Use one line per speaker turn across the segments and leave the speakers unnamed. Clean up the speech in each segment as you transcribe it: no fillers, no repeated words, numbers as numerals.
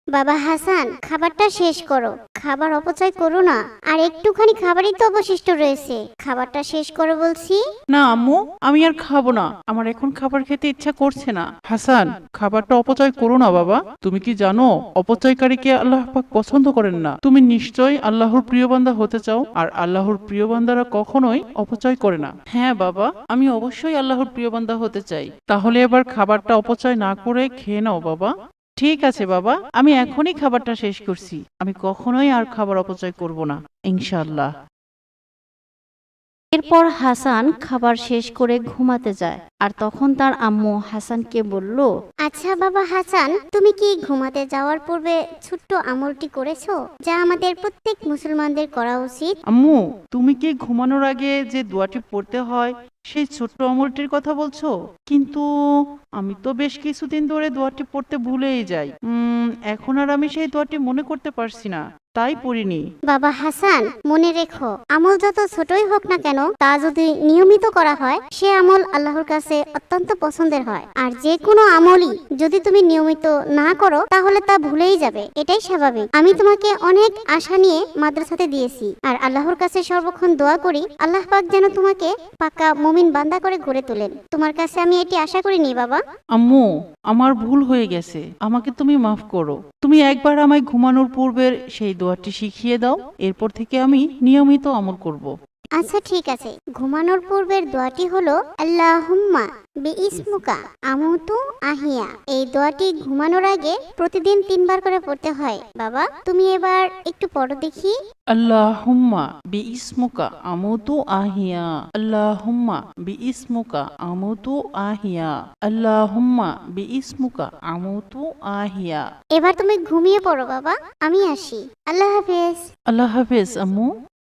বাবা হাসান, খাবারটা শেষ করো। খাবার অপচয় করো না। আর একটুখানি খাবারই তো অবশিষ্ট রয়েছে, খাবারটা শেষ করো বলছি।
না আম্মু, আমি আর খাবো না। আমার এখন খাবার খেতে ইচ্ছা করছে না। হাসান, খাবারটা অপচয় করো না বাবা। তুমি কি জানো অপচয়কারীকে আল্লাহ পাক পছন্দ করেন না? তুমি নিশ্চয়ই আল্লাহর প্রিয় বান্দা হতে চাও, আর আল্লাহর প্রিয় বান্দারা কখনোই অপচয় করে না। হ্যাঁ বাবা, আমি অবশ্যই আল্লাহর প্রিয় বান্দা হতে চাই। তাহলে এবার খাবারটা অপচয় না করে খেয়ে নাও বাবা। ঠিক আছে বাবা, আমি এখনই খাবারটা শেষ করছি। আমি কখনোই আর খাবার অপচয় করব না, ইনশাআল্লাহ।
এরপর হাসান খাবার শেষ করে ঘুমাতে যায়। আর তখন তার আম্মু হাসানকে বলল,
আচ্ছা বাবা হাসান, তুমি কি ঘুমাতে যাওয়ার পূর্বে ছোট্ট আমলটি করেছো, যা আমাদের প্রত্যেক মুসলমানদের করা উচিত?
আম্মু, তুমি কি ঘুমানোর আগে যে দোয়াটি পড়তে হয় সেই ছোট্ট আমলটির কথা বলছো? কিন্তু আমি তো বেশ কিছুদিন ধরে দোয়াটি পড়তে ভুলেই যাই। এখন আর আমি সেই দোয়াটি মনে করতে পারছি না, তাই পড়িনি।
বাবা হাসান, মনে রেখো, আমল যত ছোটই হোক না কেন, তা যদি নিয়মিত করা হয় সে আমল আল্লাহর কাছে অত্যন্ত পছন্দের হয়। আর যে কোনো আমলই যদি তুমি নিয়মিত না করো তাহলে তা ভুলেই যাবে, এটাই স্বাভাবিক। আমি তোমাকে অনেক আশা নিয়ে মাদ্রাসাতে দিয়েছি, আর আল্লাহর কাছে সর্বক্ষণ দোয়া করি আল্লাহ পাক যেন তোমাকে পাকা মুমিন বান্দা করে গড়ে তোলেন। তোমার কাছে আমি এটি আশা করিনি বাবা।
আম্মু, আমার ভুল হয়ে গেছে, আমাকে তুমি মাফ করো। তুমি একবার আমায় ঘুমানোর পূর্বের সেই দোয়াটি শিখিয়ে দাও, এরপর থেকে আমি নিয়মিত আমল করব।
আচ্ছা ঠিক আছে, ঘুমানোর পূর্বের দোয়াটি হলো আল্লাহুম্মা বিইসমুকা আমুতু আহিয়া। এই দোয়াটি ঘুমানোর আগে প্রতিদিন 3 বার করে পড়তে হয়। বাবা, তুমি এবার একটু পড়ো দেখি।
আল্লাহুম্মা বিইসমুকা আমুতু আহিয়া, আল্লাহুম্মা বিইসমুকা আমুতু আহিয়া, আল্লাহুম্মা বিইসমুকা আমুতু আহিয়া।
এবার তুমি ঘুমিয়ে পড়ো বাবা, আমি আসি। আল্লাহ হাফেজ।
আল্লাহ হাফেজ আম্মু।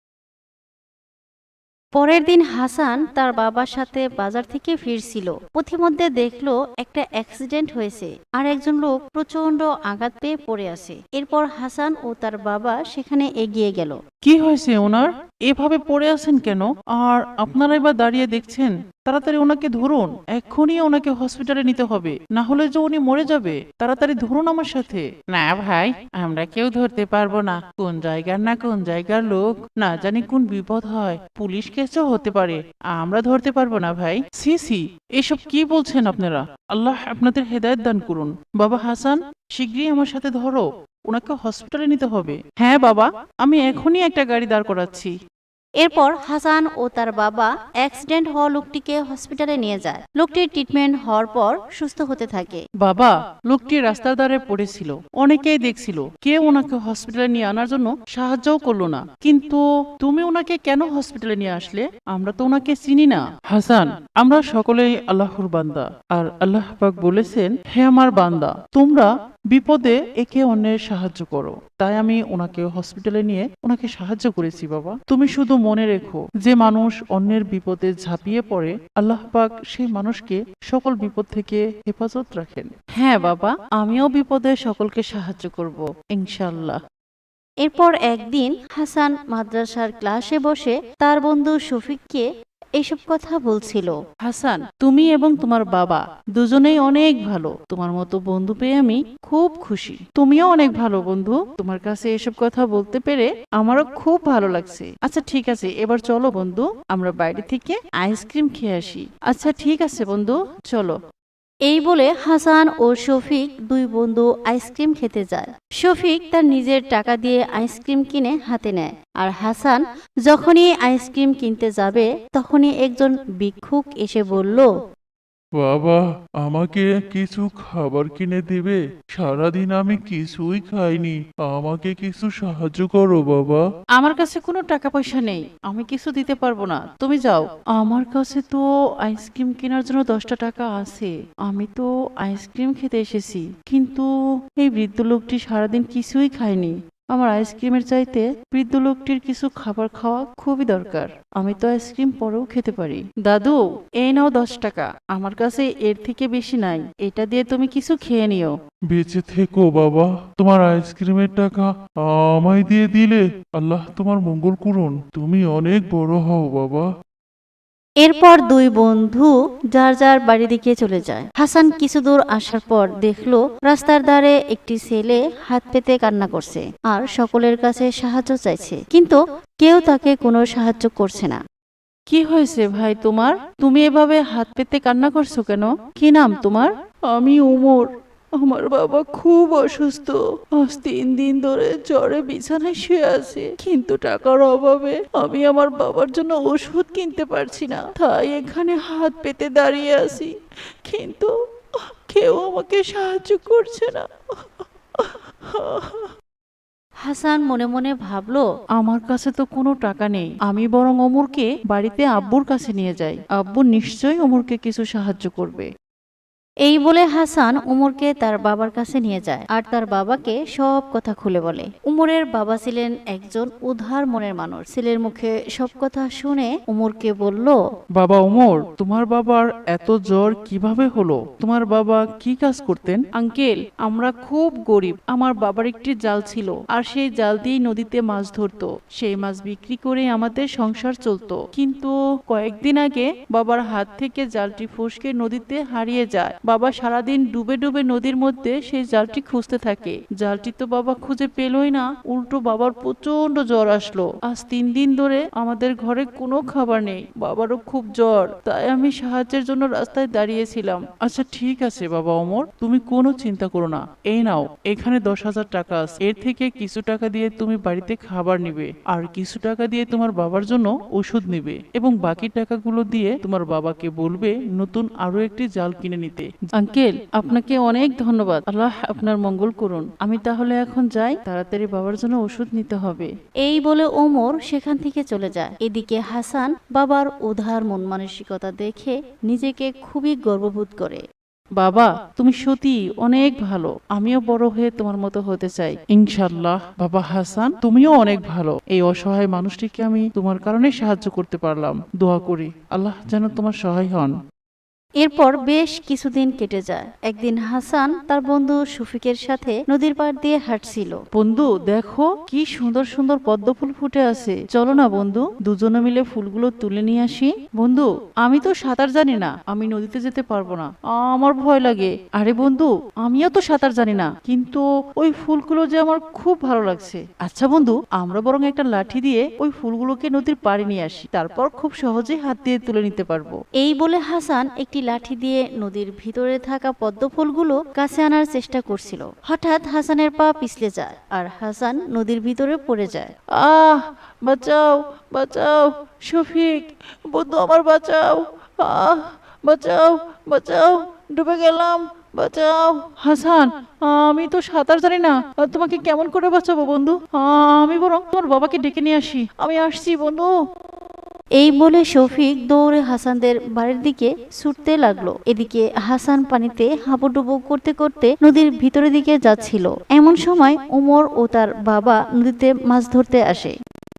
পরের দিন হাসান তার বাবার সাথে বাজার থেকে ফিরছিল। পথিমধ্যে দেখলো একটা অ্যাক্সিডেন্ট হয়েছে, আর একজন লোক প্রচন্ড আঘাত পেয়ে পড়ে আছে। এরপর হাসান ও তার বাবা সেখানে এগিয়ে গেল।
কি হয়েছে ওনার? এভাবে পড়ে আছেন কেন? আর আপনারা এবার দাঁড়িয়ে দেখছেন? তাড়াতাড়ি ওনাকে ধরুন, এক্ষুনি ওনাকে হসপিটালে নিতে হবে, না হলে যে উনি মরে যাবে। তাড়াতাড়ি ধরুন আমার সাথে। না ভাই, আমরা কেউ ধরতে পারবো না। কোন জায়গার না কোন জায়গার লোক, না জানি কোন বিপদ হয়, পুলিশ কেসও হতে পারে। আমরা ধরতে পারবো না ভাই। সি সি, এসব কি বলছেন আপনারা? আল্লাহ আপনাদের হেদায়েত দান করুন। বাবা হাসান, শিগগিরই আমার সাথে ধরো, ওনাকে হসপিটালে নিতে হবে। হ্যাঁ বাবা, আমি এখনই একটা গাড়ি দাঁড় করাচ্ছি।
এরপর হাসান ও তার বাবা অ্যাক্সিডেন্ট হওয়া লোকটিকে হসপিটালে নিয়ে যায়। লোকটির ট্রিটমেন্ট হওয়ার পর সুস্থ হতে থাকে।
বাবা, লোকটি রাস্তার ধারে পড়েছিল, অনেকেই দেখছিল, কেউ ওনাকে হসপিটালে নিয়ে আনার জন্য সাহায্যও করলো না। কিন্তু তুমি ওনাকে কেন হসপিটালে নিয়ে আসলে? আমরা তো ওনাকে চিনি না। হাসান, আমরা সকলেই আল্লাহর বান্দা, আর আল্লাহ পাক বলেছেন, হে আমার বান্দা, তোমরা বিপদে একে অন্যের সাহায্য করো। তাই আমি ওনাকে হসপিটালে নিয়ে ওনাকে সাহায্য করেছি। বাবা, তুমি শুধু মনে রেখো, যে মানুষ অন্যের বিপদে ঝাঁপিয়ে পড়ে, আল্লাহ পাক সেই মানুষকে সকল বিপদ থেকে হেফাজত রাখেন। হ্যাঁ বাবা, আমিও বিপদে সকলকে সাহায্য করব, ইনশাল্লাহ।
এরপর একদিন হাসান মাদ্রাসার ক্লাসে বসে তার বন্ধু শফিককে এইসব কথা বলছিল।
হাসান, তুমি এবং তোমার বাবা দুজনেই অনেক ভালো। তোমার মতো বন্ধু পেয়ে আমি খুব খুশি। তুমিও অনেক ভালো বন্ধু। তোমার কাছে এসব কথা বলতে পেরে আমারও খুব ভালো লাগছে। আচ্ছা ঠিক আছে, এবার চলো বন্ধু, আমরা বাইরে থেকে আইসক্রিম খেয়ে আসি। আচ্ছা ঠিক আছে বন্ধু, চলো।
এই বলে হাসান ও শফিক দুই বন্ধু আইসক্রিম খেতে যায়। শফিক তার নিজের টাকা দিয়ে আইসক্রিম কিনে হাতে নেয়, আর হাসান যখনই আইসক্রিম কিনতে যাবে তখনই একজন ভিক্ষুক এসে বলল,
বাবা, আমাকে কিছু খাবার কিনে দিবে? সারাদিন আমি কিছুই খাইনি, আমাকে কিছু সাহায্য করো বাবা।
আমার কাছে কোনো টাকা পয়সা নেই, আমি কিছু দিতে পারবো না, তুমি যাও। আমার কাছে তো আইসক্রিম কেনার জন্য 10টা টাকা আছে। আমি তো আইসক্রিম খেতে এসেছি, কিন্তু এই বৃদ্ধ লোকটি সারাদিন কিছুই খায়নি। আমার আইসক্রিমের চাইতে বৃদ্ধ লোকটির কিছু খাবার খাওয়া খুবই দরকার। আমি তো আইসক্রিম পরেও খেতে পারি। দাদু, এই নাও 10 টাকা, আমার কাছে এর থেকে বেশি নাই, এটা দিয়ে তুমি কিছু খেয়ে নিও।
বেঁচে থেকো বাবা, তোমার আইসক্রিমের টাকা আমায় দিয়ে দিলে। আল্লাহ তোমার মঙ্গল করুন, তুমি অনেক বড় হও বাবা।
এরপর দুই বন্ধু যার যার বাড়ির দিকে চলে যায়। হাসান কিছু দূর আসার পর দেখলো রাস্তার ধারে একটি ছেলে হাত পেতে কান্না করছে আর সকলের কাছে সাহায্য চাইছে, কিন্তু কেউ তাকে কোনো সাহায্য করছে না।
কি হয়েছে ভাই তোমার? তুমি এভাবে হাত পেতে কান্না করছো কেন? কি নাম তোমার? আমি ওমর। আমার বাবা খুব অসুস্থ, আজ 3 দিন ধরে জ্বরে বিছানায় শুয়ে আছে, কিন্তু টাকার অভাবে আমি আমার বাবার জন্য ওষুধ কিনতে পারছি না, তাই এখানে হাত পেতে দাঁড়িয়ে আছি, কিন্তু কেউ আমাকে সাহায্য করছে না।
হাসান মনে মনে ভাবলো,
আমার কাছে তো কোনো টাকা নেই, আমি বরং ওমরকে বাড়িতে আব্বুর কাছে নিয়ে যাই, আব্বু নিশ্চয়ই ওমরকে কিছু সাহায্য করবে।
এই বলে হাসান উমরকে তার বাবার কাছে নিয়ে যায় আর তার বাবাকে সব কথা খুলে বলে। উমরের বাবা ছিলেন একজন উদার মনের মানুষ। ছেলের মুখে সব কথা শুনে উমরকে বলল,
বাবা ওমর, তোমার বাবার এত জ্বর কিভাবে হলো? তোমার বাবা কি কাজ করতেন? আঙ্কেল, আমরা খুব গরিব, আমার বাবার একটি জাল ছিল আর সেই জাল দিয়েই নদীতে মাছ ধরতো, সেই মাছ বিক্রি করে আমাদের সংসার চলতো, কিন্তু কয়েকদিন আগে বাবার হাত থেকে জালটি ফসকে নদীতে হারিয়ে যায়। বাবা সারাদিন ডুবে ডুবে নদীর মধ্যে সেই জালটি খুঁজতে থাকে, জালটি তো বাবা খুঁজে পেলই না, উল্টো বাবার প্রচন্ড জ্বর আসলো। আজ 3 দিন ধরে আমাদের ঘরে কোনো খাবার নেই, বাবারও খুব জ্বর, তাই আমি সাহায্যের জন্য রাস্তায় দাঁড়িয়েছিলাম। আচ্ছা ঠিক আছে বাবা ওমর, তুমি কোনো চিন্তা করো না, এই নাও, এখানে 10,000 টাকা আছে, এর থেকে কিছু টাকা দিয়ে তুমি বাড়িতে খাবার নিবে আর কিছু টাকা দিয়ে তোমার বাবার জন্য ওষুধ নিবে এবং বাকি টাকাগুলো দিয়ে তোমার বাবাকে বলবে নতুন আরো একটি জাল কিনে নিতে। আঙ্কেল, আপনাকে অনেক ধন্যবাদ, আল্লাহ আপনার মঙ্গল করুন। আমি তাহলে এখন যাই, তাড়াতাড়ি বাবার জন্য ওষুধ নিতে হবে।
এই বলে ওমর সেখান থেকে চলে যায়। এদিকে হাসান বাবার উদার মন মানসিকতা দেখে নিজেকে খুবই গর্ববোধ করে।
বাবা, তুমি সত্যি অনেক ভালো, আমিও বড় হয়ে তোমার মতো হতে চাই ইনশাআল্লাহ। বাবা হাসান, তুমিও অনেক ভালো, এই অসহায় মানুষটিকে আমি তোমার কারণে সাহায্য করতে পারলাম, দোয়া করি আল্লাহ যেন তোমার সহায় হন।
এরপর বেশ কিছুদিন কেটে যায়। একদিন হাসান তার বন্ধু শফিকের সাথে নদীর পাড় দিয়ে হাঁটছিল।
বন্ধু দেখো কি সুন্দর সুন্দর পদ্ম ফুল ফুটে আছে, চলো না বন্ধু দুজনে মিলে ফুলগুলো তুলে নিয়ে আসি। বন্ধু, আমি তো সাঁতার জানি না, আমি নদীতে যেতে পারবো না, আমার ভয় লাগে। আরে বন্ধু, আমিও তো সাঁতার জানি না, কিন্তু ওই ফুলগুলো যে আমার খুব ভালো লাগছে। আচ্ছা বন্ধু, আমরা বরং একটা লাঠি দিয়ে ওই ফুলগুলোকে নদীর পাড়ে নিয়ে আসি, তারপর খুব সহজেই হাত দিয়ে তুলে নিতে পারবো।
এই বলে হাসান একটি লাঠি দিয়ে নদীর ভিতরে থাকা পদ্ম ফুলগুলো কাছে আনার চেষ্টা করছিল। হঠাৎ হাসানের পা পিছলে যায় আর হাসান নদীর ভিতরে পড়ে যায়।
আহ, বাঁচাও বাঁচাও, শফিক বন্ধু আমার বাঁচাও, আহ বাঁচাও বাঁচাও, ডুবে গেলাম, বাঁচাও। হাসান, আমি তো সাঁতার জানি না, তোমাকে কেমন করে বাঁচাবো বন্ধু? আমি বরং তোমার বাবাকে ডেকে নিয়ে আসি, আমি আসছি বন্ধু।
এই বলে শফিক দৌড়ে হাসানদের বাড়ির দিকে ছুটতে লাগলো। এদিকে হাসান পানিতে হাবুডুবু করতে করতে নদীর ভিতরের দিকে যাচ্ছিল। এমন সময় ওমর ও তার বাবা নদীতে মাছ ধরতে আসে।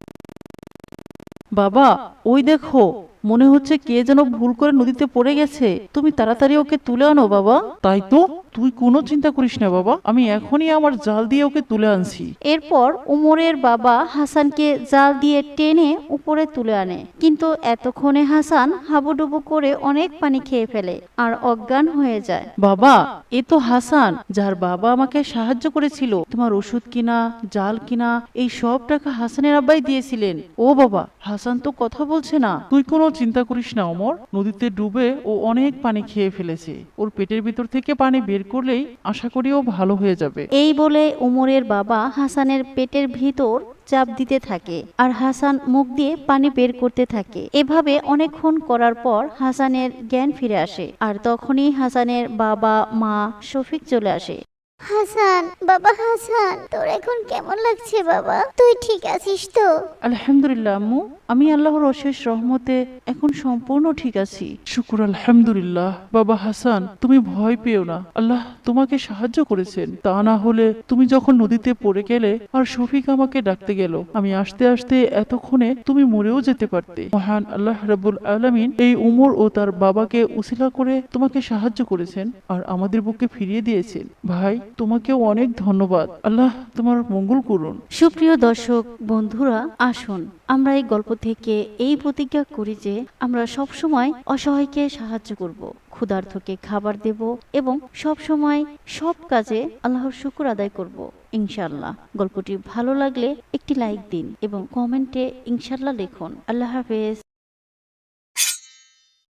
বাবা, ওই দেখো, মনে হচ্ছে কে যেন ভুল করে নদীতে পড়ে গেছে, তুমি তাড়াতাড়ি ওকে তুলে আনো বাবা। তাই তো, তুই কোনো চিন্তা করিস না বাবা, আমি এখনই আমার জাল দিয়ে ওকে তুলে আনছি।
এরপর উমরের বাবা হাসানকে জাল দিয়ে টেনে উপরে তুলে আনে, কিন্তু এতক্ষণে হাসান হাবুডুবু করে অনেক পানি খেয়ে ফেলে আর অজ্ঞান হয়ে যায়।
বাবা, এ তো হাসান, যার বাবা আমাকে সাহায্য করেছিল, তোমার ওষুধ কিনা, জাল কিনা, এই সব টাকা হাসানের আব্বাই দিয়েছিলেন। ও বাবা, হাসান তো কথা বলছে না। তুই কোনো চিন্তা করিস না ওমর, নদীতে ডুবে ও অনেক পানি খেয়ে ফেলেছে, ওর পেটের ভিতর থেকে পানি বের করলেই আশা করি ও ভালো হয়ে যাবে।
এই বলে উমরের বাবা হাসানের পেটের ভিতর চাপ দিতে থাকে আর হাসান মুখ দিয়ে পানি বের করতে থাকে। এভাবে অনেকক্ষণ করার পর হাসানের জ্ঞান ফিরে আসে আর তখনই হাসানের বাবা মা শফিক চলে আসে।
হাসান, বাবা হাসান, তোর এখন কেমন লাগছে বাবা? তুই ঠিক আছিস তো?
আলহামদুলিল্লাহ আম্মু, আমি আল্লাহর অশেষ রহমতে এখন সম্পূর্ণ ঠিক আছি। শুকুর আলহামদুলিল্লাহ। বাবা হাসান, তুমি ভয় পেও না, আল্লাহ তোমাকে সাহায্য করেছেন, তা না হলে তুমি যখন নদীতে পড়ে গেলে আর শফিক আমাকে ডাকতে গেল, আমি আসতে আসতে এতক্ষণে তুমি মরেও যেতে পারতে। মহান আল্লাহ রাব্বুল আলামিন এই উমর ও তার বাবাকে উসিলা করে তোমাকে সাহায্য করেছেন আর আমাদের বুকে ফিরিয়ে দিয়েছেন। ভাই, তোমাকে অনেক ধন্যবাদ। আল্লাহ তোমার মঙ্গল করুন।
সুপ্রিয় দর্শক বন্ধুরা, আসুন আমরা এই গল্প থেকে এই প্রতিজ্ঞা করি যে আমরা সব সময় অসহায়কে সাহায্য করব, ক্ষুধার্তকে খাবার দেব এবং সব সময় সব কাজে আল্লাহর শুকর আদায় করব ইনশাআল্লাহ। গল্পটি ভালো লাগলে একটি লাইক দিন এবং কমেন্টে ইনশাআল্লাহ লিখুন। আল্লাহ হাফেজ।